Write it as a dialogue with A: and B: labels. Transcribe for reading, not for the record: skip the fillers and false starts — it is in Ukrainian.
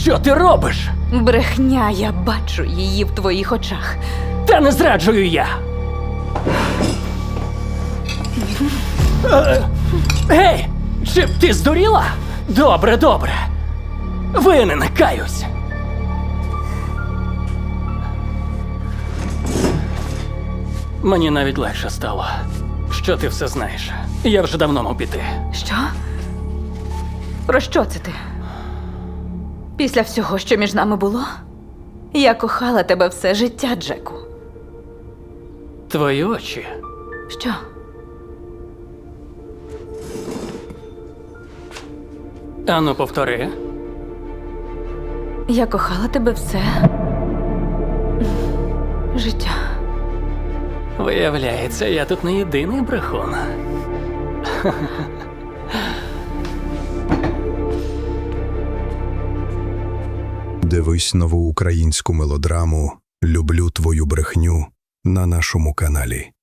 A: Що ти робиш?
B: Брехня, я бачу її в твоїх очах.
A: Та не зраджую я. Гей! Чи ти здуріла? Добре, добре. Винен, каюсь. Мені навіть легше стало, що ти все знаєш. Я вже давно мав піти.
B: Що? Про що це ти? Після всього, що між нами було? Я кохала тебе все життя, Джеку.
A: Твої очі.
B: Що?
A: Ану, повтори.
B: Я кохала тебе все життя.
A: Виявляється, я тут не єдиний брехун.
C: Дивись нову українську мелодраму «Люблю твою брехню» на нашому каналі.